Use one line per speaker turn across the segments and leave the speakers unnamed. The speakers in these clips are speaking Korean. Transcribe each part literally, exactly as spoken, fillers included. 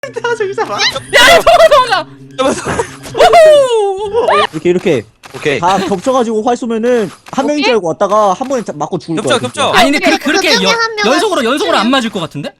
저기 잡아.
야 도망가 도망가.
이렇게 이렇게
오케이.
다 겹쳐가지고 활 쏘면은 한 명인 줄 알고 왔다가 한 번에 자- 맞고 죽을
겹쳐
거야.
겹쳐.
아니 근데 그,
그
그렇게
중에
연,
한 명은
연속으로 연속으로 안 맞을 것 같은데?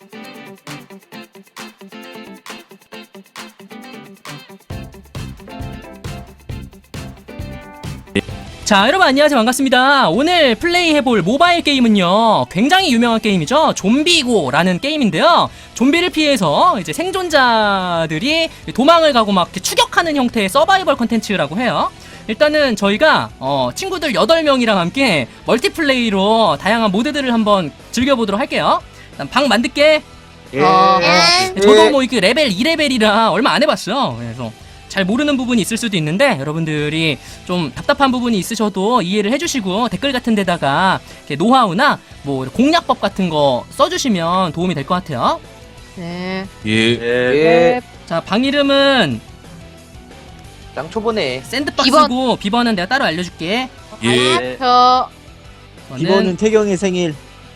자 여러분 안녕하세요 반갑습니다. 오늘 플레이해볼 모바일 게임은요 굉장히 유명한 게임이죠. 좀비고라는 게임인데요, 좀비를 피해서 이제 생존자들이 도망을 가고 막 이렇게 추격하는 형태의 서바이벌 컨텐츠라고 해요. 일단은 저희가 어, 친구들 여덟 명이랑 함께 멀티플레이로 다양한 모드들을 한번 즐겨보도록 할게요. 일단 방 만들게.
예.
어,
예.
저도 뭐 이렇게 레벨 이 레벨이라 얼마 안 해봤어요. 그래서 잘 모르는 부분이 있을 수도 있는데 여러분들이 좀 답답한 부분이 있으셔도 이해를 해주시고 댓글 같은 데다가 이렇게 노하우나 뭐 공략법 같은 거 써주시면 도움이 될 것 같아요.
네.
예.
예.
자, 방 이름은
짱 초보네.
샌드박스고 비번은 내가 따로 알려줄게.
예.
저
이번은 태경의 생일.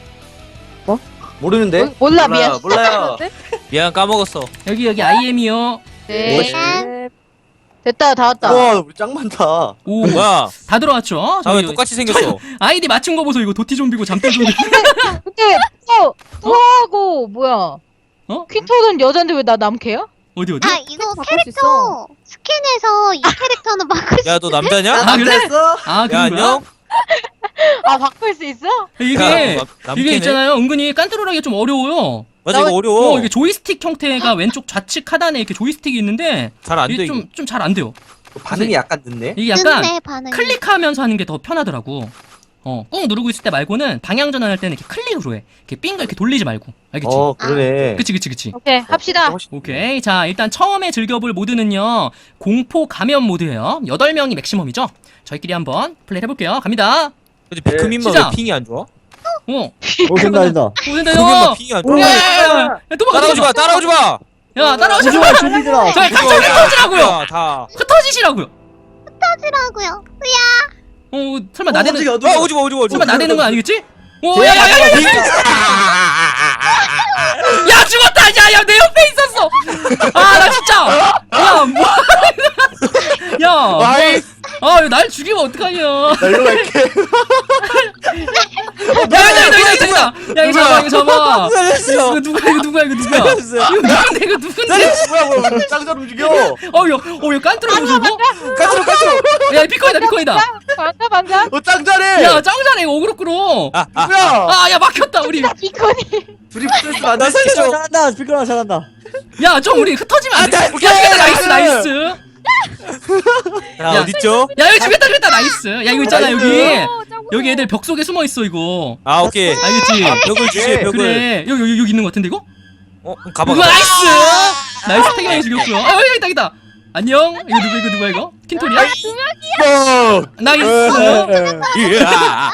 모르는데?
모- 몰라 미안.
몰라요.
미안 까먹었어.
여기 여기 아이엠이요.
네. 됐다 다 왔다.
와, 우리 짱 많다.
오,
뭐야?
다 들어왔죠?
다 왜
저기
똑같이 생겼어?
아이디 맞춘 거 보소. 이거 도티 좀비고 잠들 좀비.
근데 또 또하고 뭐야?
어?
퀸토는 여잔데 왜 나 남캐야?
어디 어디?
아 이거
바꿀 수 있어.
캐릭터 스캔해서 이 캐릭터는 바꿀 수
야 너 남자냐?
아, 그래?
됐어?
아
야
그런 거야?
안녕.
아 바꿀 수 있어?
이게
야, 너 남-
이게
남캐네?
있잖아요. 은근히 깐뚜루라기가 좀 어려워요.
맞아 이거 어려워.
어, 이게 조이스틱 형태가 왼쪽 좌측 하단에 이렇게 조이스틱이 있는데
잘 안 돼
이게
이거.
좀 좀 잘 안 돼요.
반응이 약간 늦네.
이게 약간
늦네 반응이.
클릭하면서 하는 게 더 편하더라고. 어, 꾹 누르고 있을 때 말고는 방향 전환할 때는 이렇게 클릭으로 해. 이렇게 빙글 이렇게 돌리지 말고. 알겠지?
어, 그러네.
그치 그치 그치.
오케이 합시다.
훨씬-
오케이. 자, 일단 처음에 즐겨볼 모드는요 공포 감염 모드예요. 여덟 명이 맥시멈이죠. 저희끼리 한번 플레이를 해볼게요. 갑니다.
근데 비크민만
시작.
왜 핑이 안 좋아?
어,
오 된다 된다.
오 된다
비크민만
요.
핑이 안
오,
좋아.
야, 야, 야, 야, 야, 도망가,
따라오지 마,
도망가.
따라오지 마.
야, 따라오지 마.
오지마 준비들아.
자, 갑자기 흩어지라고요.
야, 다.
흩어지시라고요.
하지라고요.
어, 설마 나대는
어디가,
아 오지 마, 오지 마, 오지
설마
마.
나대는 건 아니겠지? 오, 야, 야, 야, 야, 야, 야, 죽었다. 야, 야, 내 옆에 있었어. 아, 나 진짜. 야, 뭐? 야,
와이,
아, 날 죽이면 어떡하냐? 야,
나 일로 갈게.
야, 야, 야, 야, 야, 야, 이거 잡아, 이거 잡아.
살려주세요.
이거 누구야, 이거 누구야, 이거 누구야?
살려주세요.
이거 누군데, 이거 누군데?
살려주세요. 뭐야, 뭐야, 짱잘 움직여.
어, 야, 어, 야, 깐뚜라 보소, 이거?
가스로, 가스로.
야, 비코이다, 비코이다.
반가 반가.
어, 짱 잘해.
야, 짱 잘해, 이거 어그로 끌어.
아, 아,
누구야?
아, 야, 막혔다, 우리.
이코니.
둘이 붙어있으면 안
나
되지.
살려줘.
잘한다. 비크라 잘한다.
야, 좀 우리 흩어지면 안 돼.
아,
야,
나-
죽였다, 나이스,
나이스.
나이스.
야,
야.
어딨죠?
야, 여기 죽였다, 죽였다, 나이스. 야, 이거 있잖아,
나이스.
여기. 여기 애들 벽 속에 숨어 있어, 이거.
아 오케이.
알겠지?
벽을 주시해, 벽을.
그래. 여기, 여기, 여기 있는 것 같은데, 이거?
어, 그럼 가봐.
이거
가봐.
나이스! 나이스, 태경이 죽였고요. 아, 여기 있다, 있다. 안녕? 이거 누구, 이거 누구야, 이거? 킨토리야?
어.
나이스!
예.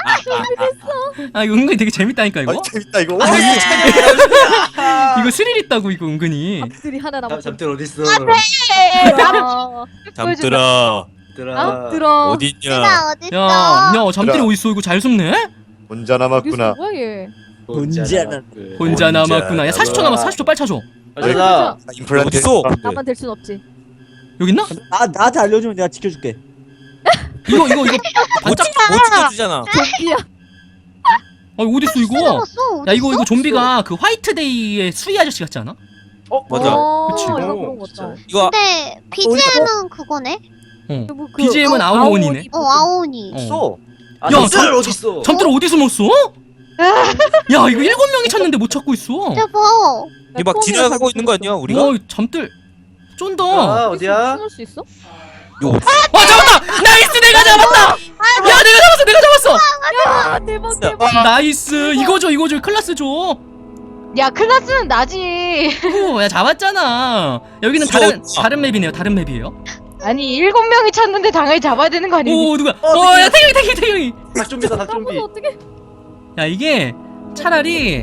아, 이거 은근히 되게 재밌다니까, 이거?
아, 재밌다, 이거.
아,
와,
이거
재밌다.
이거 스릴 있다고, 이거 은근히.
들이 하나 남았어.
잠들 어딨어?
아,
잠들아.
들아.
들어.
어딨냐?
내가 어딨어?
야, 야, 잠들이
그래.
어딨어? 이거 잘 숨네?
혼자 남았구나.
뭐야 얘?
혼자는
혼자 남았구나. 야, 사십 초 남았어, 사십 초 빨리 찾아.
가자. 임플란트.
어딨어?
나만 될 순 없지.
여기 있나?
나 나한테 알려주면 내가 지켜줄게.
이거, 이거, 이거.
못
반짝.
찍- 못 찍어주잖아.
좀비야.
아, 이거 어딨어, 이거?
숨었어.
야, 이거,
어딨어?
이거 좀비가 그 화이트데이의 수위 아저씨 같지 않아?
어,
맞아.
어,
그치.
약간
오,
그런 거
진짜.
같다.
이거
근데 비지엠은 그거네.
어.
뭐 그
비지엠은
아오-
아오온이네.
아오온
어 아오니.
어.
있어. 아,
야,
잠들
저-
어딨어?
잠들 어디 숨었어? 야, 이거 일곱 명이 찾는데 못 찾고 있어.
여보.
이거 막 지나가고 있는 거 아니야, 우리가?
어, 잠들 쫀다.
아, 어디야?
숨을 수 있어?
이거
와, 잡았다! 나이스, 내가 잡았다! 야, 내가 잡았어, 내가 잡았어!
아 대박 대박.
나이스, 이거 줘, 이거 줘, 클라스 줘.
야 클라스는 나지.
오, 야, 잡았잖아. 여기는
저-
다른, 다른 맵이네요, 다른 맵이에요.
아니 일곱 명이 찾는데 당연히 잡아야 되는 거 아니니?
오, 누가?
어,
어, 야, 태경이, 태경이, 태경이.
닭좀비다, 닭좀비.
나보다 어떻게?
야, 이게 차라리.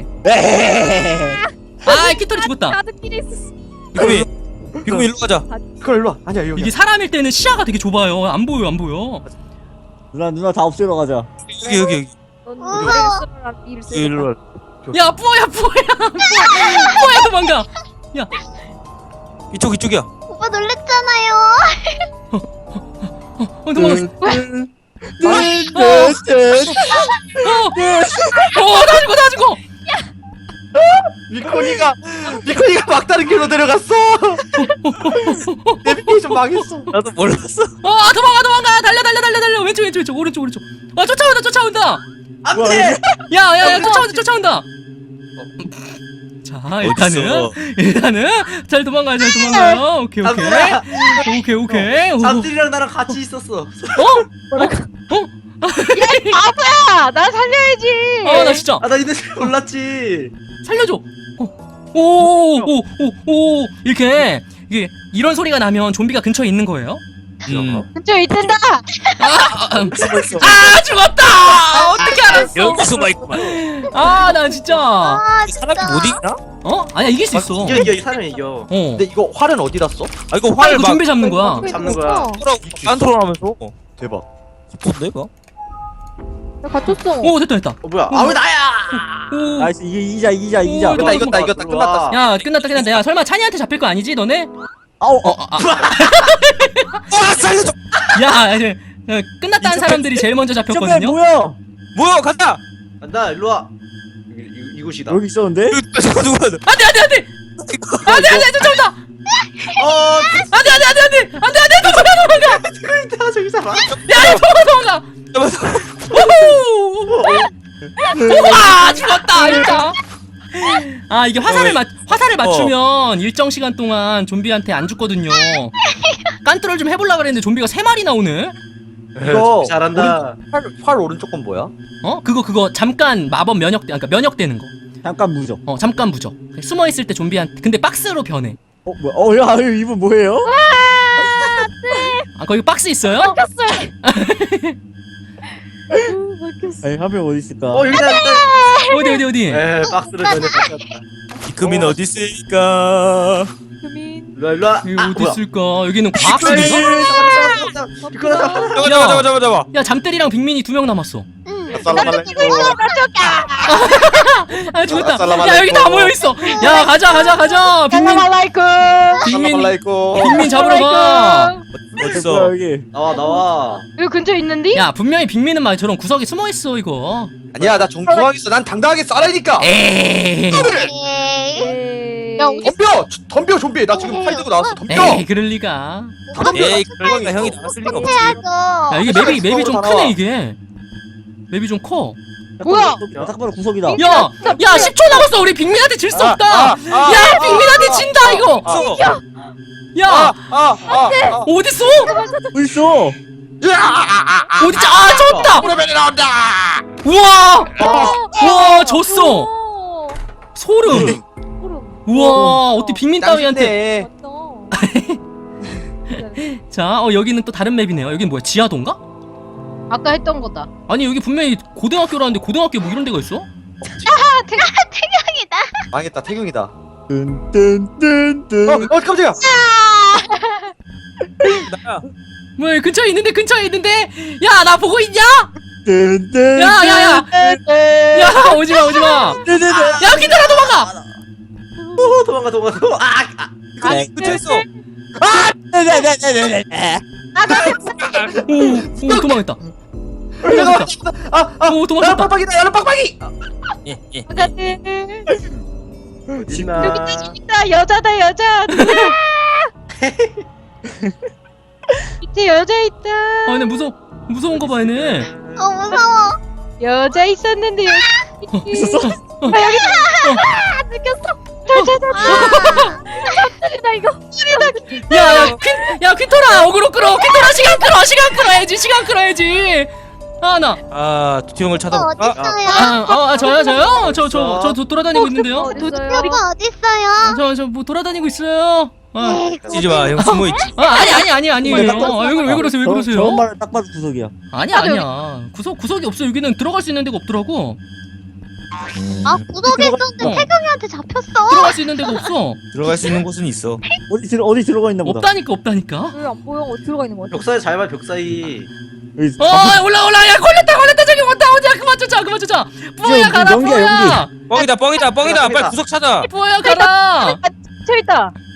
아, 키토리 죽었다.
가득끼리 있었어.
비크민. 비크민 일로 가자.
그걸 일로 와. 아니야, 여기.
이게 사람일 때는 시야가 되게 좁아요. 안 보여, 안 보여.
누나 누나 다 없애러 가자.
여기 여기 여기.
넌
어.
노래를 쓰라 일을 쓰라.
일로 와.
야, 뿌어야, 뿌어야. 뿌어야, 도망가. 야,
이쪽 이쪽이야.
오빠 놀랬잖아요.
어 도망갔어. 어나 죽어 나 죽어.
미코니가 미코니가 막다른 길로 데려갔어. 내비게이션 망했어.
나도 몰랐어.
어 도망가 도망가 달려 달려 달려 달려 왼쪽 왼쪽 왼쪽 오른쪽 오른쪽. 아 쫓아온다 쫓아온다.
안돼.
야야야 쫓아온다 쫓아온다. 자 일단은
어딨어?
일단은 잘 도망가요 잘 도망가요. 오케이 오케이
잠들아.
오케이 오케이. 오.
잠들이랑 나랑 같이 있었어.
어?
바보야, 나 살려야지.
아 나 진짜
아 나 이제 몰랐지.
살려줘. 오오오오오 이렇게 이게 이런 소리가 나면 좀비가 근처에 있는 거예요?
음.
근처에 있단다.
아,
숨어 있어.
아 죽었다. 어떻게 알았어?
여기 숨어 있구만.
아 나 진짜
아 진짜.
사람이 못 이기나?
어 아니야 이길 수 있어.
이겨 이겨 이 사람이 이겨.
어.
근데 이거 활은 어디다 써?
아 이거
아
활
이거
막
좀비 잡는 거야.
잡는 거야.
깐토라면서.
대박.
깊은데 이거?
나 갇혔어.
오 됐다 됐다.
어 뭐야? 아왜 나야?
오.
나이스 이게 이기자 이기자 이기자.
오,
이겼다 이겼다 이겼다 끝났다.
야 끝났다 끝났다. 야 설마 찬이한테 잡힐 거 아니지 너네?
아우
어,
어.
아, 아.
아 살려줘.
야 이제 어, 끝났다는 사람들이 제일 먼저
점프
잡혔거든요.
뭐야?
뭐야 간다.
간다 일로 와. 이, 이, 이곳이다.
여기 있었는데?
잠깐 누구야?
안돼 안돼 안돼 안돼 안돼 쫓아온다.
어.
안돼 안돼 안돼 안돼 안돼 안돼 도망가 도망가.
그러니까 저기 사람.
야 도망가 도망가. 우후. 우와 죽었다 진짜. 아 이게 화살을 맞 화살을 맞추면 일정 시간 동안 좀비한테 안 죽거든요. 깐트롤 좀 해보려 그랬는데 좀비가 세 마리 나오네.
이거 잘한다. 활, 활 오른쪽 건 뭐야?
어 그거 그거 잠깐 마법 면역 그러니까 면역되는 거.
잠깐 무적.
어 잠깐 부적. 숨어 있을 때 좀비한테 근데 박스로 변해.
어 뭐야? 어야 이분 뭐예요?
아 거기 박스 있어요?
막혔어요. 막혔어.
아니 한 명 어디 있을까?
어 여기다 여기다.
어디 어디 어디?
에 박스를 전에 바꿨다.
이금인 어디 있을까?
금인.
일로 와 일로 와.
여기
아,
어디
뭐야?
있을까? 여기는 과학실인가?
이거 나 잡아.
잡아 잡아 잡아 잡아 잡아.
야 잠들이랑 빅민이 두 명 남았어.
응.
아 죽었다.
살라말라이쿰.
야 여기 다 모여 있어. 야 가자 가자 가자. 빅민
살라말라이쿰.
빅민
말라이고.
빅민 잡으러 가.
뭐야
어딨어?
여기?
나와 나와.
여기 근처에 있는데?
야 분명히 빅민은 막 저런 구석에 숨어 있어 이거.
아니야 나 정중하게 써. 난 당당하게 쏴라니까.
에이.
에이.
야,
덤벼 덤벼 좀비. 나 지금 팔 들고 나왔어. 덤벼.
에이 그럴 리가.
에이 그러니까 형이 나왔을 리가 없지.
해야죠.
야 이게 맵이 맵이 좀
구석으로
크네 이게. 맵이 좀 커.
뭐야?
딱 봐도 구석이다.
야, 야 십 초 남았어. 우리 빅민한테 질 수 없다. 야, 빅민한테 진다 이거.
없어.
야,
아아아
어딨어?
어디 있어?
어딨지? 아, 졌다.
오래면이 나온다.
우와, 우와, 졌어.
오.
소름.
소름.
우와, 어떻게 빅민 따위한테?
짱신데.
맞다.
자, 어 여기는 또 다른 맵이네요. 여기는 뭐야? 지하도인가?
아까 했던 거다.
아니 여기 분명히 고등학교라는데 고등학교 뭐 이런 데가 있어?
태경이다.
망했다 태경이다.
뜬뜬뜬뜬.
어, 어 깜짝이야.
나야.
뭐 근처에 있는데 근처에 있는데. 야, 나 보고 있냐?
뜬뜬.
야, 야, 야. 야, 오지 마, 오지 마.
뜬뜬.
야, 기다려 도망가.
어, 도망가 도망가. 도망가. 아, 아.
아니 근처에 있어.
오, 오 도망했다.
잠깐만. 아, 아.
오, 도망쳤다.
야, 빡빡이다. 야, 빡빡이.
예 예.
어딨나?
여기 있다. 여자다 여자. 누구야? 밑에 여자 있다.
아, 근데 무서 무서운 거 봐, 얘네.
어 무서워.
여자 있었는데 여기
있었어?
어.
아, 여기 있다. 느꼈어.
나 이거.
야, 야, 퀸, 야, 퀸토라, 어그로 끌어, 퀸토라, 시간 끌어, 시간 끌어야지, 시간 끌어야지. 아, 나.
아 두티형을
오빠
찾아볼까?
어딨어요?
아, 아, 아, 저요, 저요? 저, 저, 저, 저 돌아다니고 있는데요?
어딨어요?
오빠 어딨어요?
저, 저, 뭐 돌아다니고 있어요. 아,
에이,
찌지 마. 형 숨어 있지.
아 아니, 아니, 아니, 아니에요. 아, 왜, 왜 그러세요, 왜
저-
그러세요?
저런 말을 딱 봐도 구석이야.
아니야, 아니야. 구석, 구석이 없어. 여기는 들어갈 수 있는 데가 없더라고.
아 구석에 있었는데
어.
태경이한테 잡혔어.
들어갈 수 있는 데가 없어.
들어갈 수 있는 곳은 있어.
어디 들 어디 들어가 있나 보다.
없다니까, 없다니까.
왜 안 보여? 어디 들어가 있는 거야?
벽 사이 잘 봐. 벽 사이.
여기
어, 올라, 올라, 야, 걸렸다, 걸렸다, 저기 왔다, 어디야, 그만 쫓아, 그만 쫓아. 뿌야,
연기,
가라,
연기야,
뿌야.
뻥이다 뻥이다 뻥이다. 빨리 구석 찾아.
뿌야, 가라.
저 있다.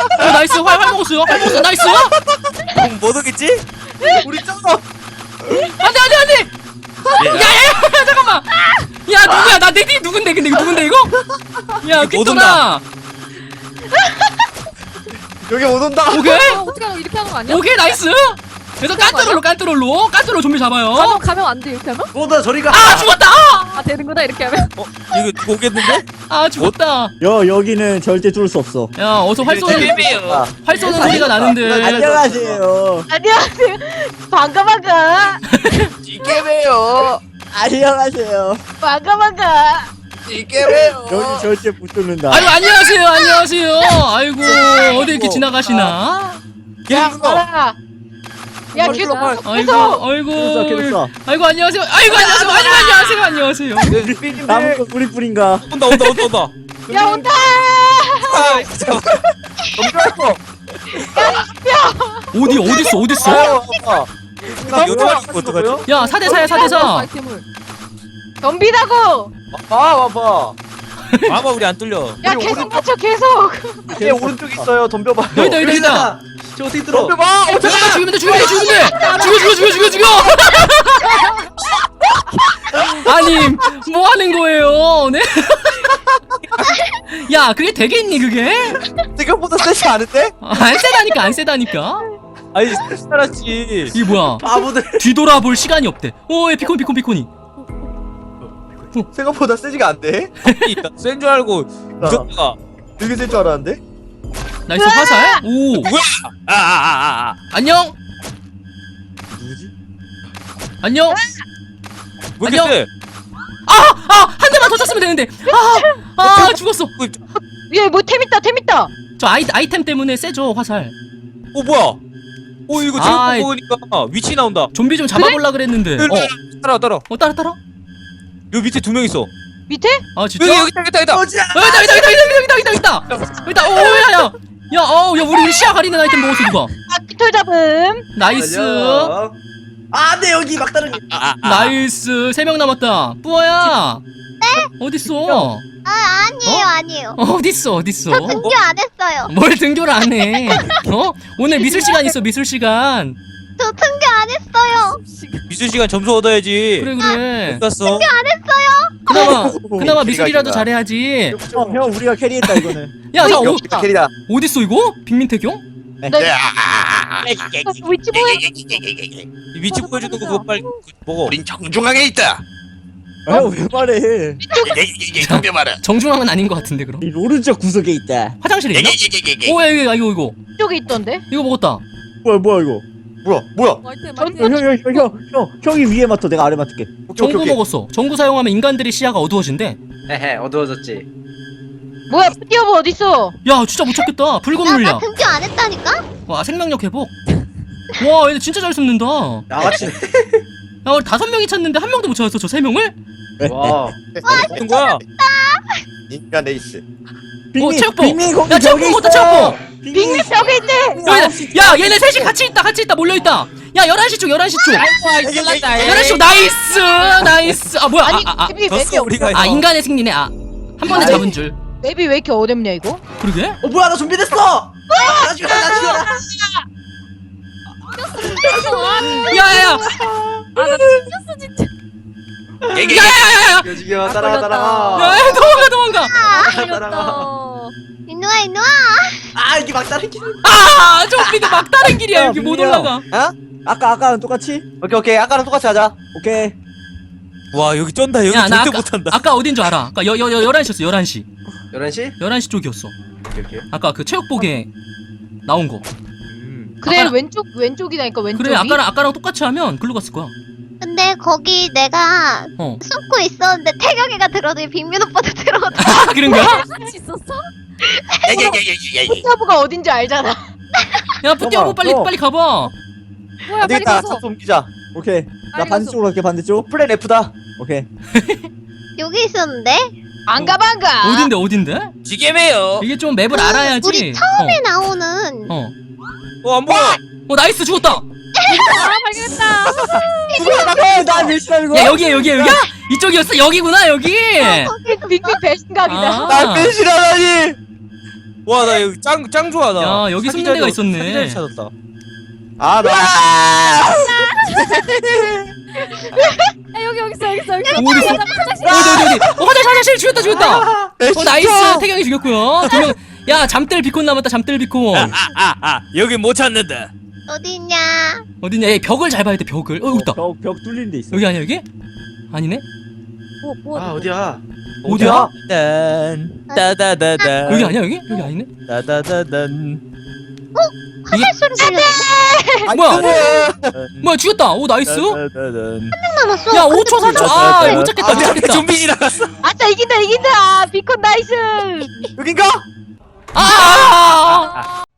어, 나이스 활, 활 먹었어요. 활 먹었어. 나이스.
못 오겠지?
우리 쩌어.
안돼 안돼 안돼. 야야야 잠깐만. 야 누구야? 나 내 뒤 누군데? 근데 이거 누군데 이거? 야
이거 못
퀴토라.
여기 못 온다.
오케이
어, 어떻게 하는 거 이렇게 하는 거 아니야?
오케이 나이스. 그래서 깐뚜롤로 깐뚜롤로 깐뚜롤 좀비 잡아요.
가면 가면 안 돼 이렇게 하면?
뭐다 저리가.
아 죽었다.
아 되는구나 이렇게 하면.
어? 이거 누구 오겠는데?
아 죽었다.
여 여기는 절대 뚫을 수 없어.
야 어서 활 쏘는
아,
활 쏘는 소리가 나는데.
안녕하세요.
안녕하세요. 반가 반가.
이게매요.
안녕하세요.
반가 반가.
이게매요.
여기 절대 못 뚫는다.
아이고 안녕하세요 안녕하세요. 아이고 어디 이렇게 지나가시나?
야 가라. 야
빨리
계속
빨리.
아이고
계속.
아이고
계속 계속
아이고 안녕하세요. 아이고 안녕하세요. 아이고 안녕하세요. 안녕하세요.
네,
나무가 뿌리 뿌린가?
온다 온다 온다 온다.
야 온다.
아 잠깐만.
넘겨왔어.
어디 어디 있어 어디 있어?
나 요정이 이거 어떡하지?
야 사 대 사야 사 대 사.
아이템을.
덤비다고.
봐 봐봐.
아마 우리 안 뚫려.
야
우리
계속
오른쪽-
맞춰 계속.
얘 오른쪽에 있어요. 덤벼봐요.
여기다, 여기다, 여기다.
저 어떻게 들어? 덤벼봐. 어,
잠깐만 죽이면 돼 죽이면 돼 죽이면 돼. 죽여 죽여 죽여 죽여 죽여. 아니 뭐 하는 거예요? 네? 야 그게 되겠니 그게?
생각보다 세지 않은데?
아, 안 세다니까 안 세다니까.
아니 살았지.
이게 뭐야?
바보들.
뒤돌아볼 시간이 없대. 오, 예, 피콘 피콘 피콘이.
생각보다 세지가 안 돼.
센 줄 알고 무섭다가.
되게 셀 줄 알았는데?
나이스 화살. 오,
뭐야? 아아아아.
안녕.
누구지?
안녕.
왜 이렇게
안녕.
세?
아, 아, 한 대만 더 쳤으면 되는데. 아, 아, 죽었어.
얘뭐 템 있다 템 있다.
저 아이 아이템 때문에 세죠 화살.
어 뭐야? 어 이거
아이.
제목 보니까 위치 나온다.
좀비 좀 잡아볼라 그랬는데. 어,
따라 따라.
어 따라 따라.
여 밑에 두 명 있어.
밑에?
아 진짜?
여기 여기 있다 여기 있다 여기 있다.
어지야.
어, 여기다 여기다 여기다 여기다 여기다 여기다 여기다. 여기다. 오, 야, 야. 야, 어, 야, 우리 우리 시야 가리는 아이템 먹었어 누가?
아 깃털 잡음.
나이스.
아, 네 여기 막다른.
아, 아,
나이스. 세 명 남았다. 뿌어야. 네? 어딨어?
아 아니에요 아니에요.
어딨어 어딨어?
등교 안 했어요.
뭘 등교를 안 해? 어? 오늘 미술 시간 있어 미술 시간.
저 등교 안 했어요.
미술 시간 점수 얻어야지.
그래 그래.
갔어.
그나마 그나마 미술이라도
기가.
잘해야지.
어, 형 우리가 캐리했다 이거는.
야, 자 어,
역시 캐리다.
어딨어 이거? 빅민태경?
나 위치 보여.
이 위치 보여주는 거 그거 빨리 먹어.
우린 정중앙에 있다.
아왜 말해?
덤벼봐라.
정중앙은 아닌 것 같은데 그럼?
이 오른쪽 구석에 있다.
화장실에 있나? 오야 이거 이거 이거
쪽에 있던데.
이거 먹었다.
뭐야 뭐야 이거?
뭐야 뭐야?
아이템
전-
아이템.
형형형형 형이 위에 맡아 내가 아래 맡을게.
오케이
정구
오케이 오케이.
먹었어. 정구 사용하면 인간들의 시야가 어두워진대.
헤헤 어두워졌지.
뭐야 푸디오브 어딨어?
야 진짜 못 찾겠다. 붉은
나, 나
물약.
등교 안 했다니까?
와 생명력 회복. 와 얘네 진짜 잘 숨는다. 야
나같이.
우리 다섯 명이 찾는데 한 명도 못 찾았어 저 세 명을?
와.
무슨 거야?
인간 에이스.
빅미
체육복.
빅미 거기
야, 체육복
저기
먹었다,
있어.
빅미 벽에 있네.
여기, 야 얘네 셋이 같이 있다 같이 있다 몰려있다. 야 열한 시 쪽 열한 시 쪽 열한 시 쪽 나이스 나이스. 아 뭐야
아니
아, 아, 아.
맵이
졌어
맵이
우리가.
아 인간의 승리네. 아 한 번에
아이.
잡은 줄.
맵이 왜 이렇게 어렵냐 이거?
그러게?
어 뭐야 나 준비됐어. 나 죽여 나 죽여.
야야야
아나 튕겼어 진짜.
야야야야
죽여 죽여 따라가 따라가.
야 도망가 도망가.
튕겼다.
인누아 인누아.
아 이게 막다른 길.
아 좀비들 막다른 길이야
야,
여기 못
민규야.
올라가.
어?
아까 아까랑 똑같이?
오케이 오케이 아까랑 똑같이 하자.
오케이.
와 여기 쩐다. 여기
야 나
절대
아까
못한다.
아까 어딘 줄 알아? 아까 여여 열한 시였어 열한 시
열한 시?
열한 시 쪽이었어.
오케이 오케이.
아까 그 체육복에 나온 거.
음.
그래
아까랑-
왼쪽 왼쪽이다니까 왼쪽이.
그래 아까랑 아까랑 똑같이 하면 글로 갔을 거야.
근데 거기 내가
어.
숨고 있었는데 태경이가 들어도 빅민 오빠도 들어오더라.
아 그런 거야?
같이 있었어?
푸디오브가 어딘지 알잖아.
야 뿌띠하고 빨리
어.
빨리 가봐.
뭐야
안
빨리
되겠다.
가서.
차트 옮기자.
오케이. 나
빨리
반대쪽으로 갈게 반대쪽.
플랜 F다.
오케이.
여기 있었는데
안가 반가.
어딘데 어딘데?
지게매요.
이게 좀 맵을 알아야지.
우리 처음에 나오는
어. 어.
어안 보여.
어 나이스 죽었다.
아 발견했다.
어, 나 밀치라는 거야?
야 여기야 여기야 여기야? 이쪽이었어 여기구나 여기.
거기서
빅미 배신각이다.
아.
날 배신하다니.
와 나 여기 짱 짱 좋아 나.
야, 여기
사기
숨는 데가
자리-
있었네.
사기 자리 찾았다.
아 나.
야 여기 여기 있어 여기 있어 여기 있어.
어디 있어? 어디 어디 어디? 어 화장실 화장실 죽였다 죽였다. 어 나이스 태경이 죽였고요. 두 명. 야 잠들 비콘 남았다 잠들 비콘.
아아 여기 못 찾는다.
어디 있냐?
어디냐? 얘 벽을 잘 봐야 돼 벽을. 어 여기 있다.
벽, 벽 뚫린 데 있어.
여기 아니야 여기? 아니네?
뭐 뭐.
아 어디야?
어디야?
딴 따다다다.
여기 아니야 여기? 여기 아니네?
따다다단.
화살 소리 들려.
뭐야? 뭐야 죽였다. 오 나이스.
따다다단.
남았어.
야 오 초 사 초. 아못 찾겠다 못
아,
찾겠다.
좀비 지나갔어.
아싸 이긴다 이긴다. 비콘 나이스.
여긴가?
아!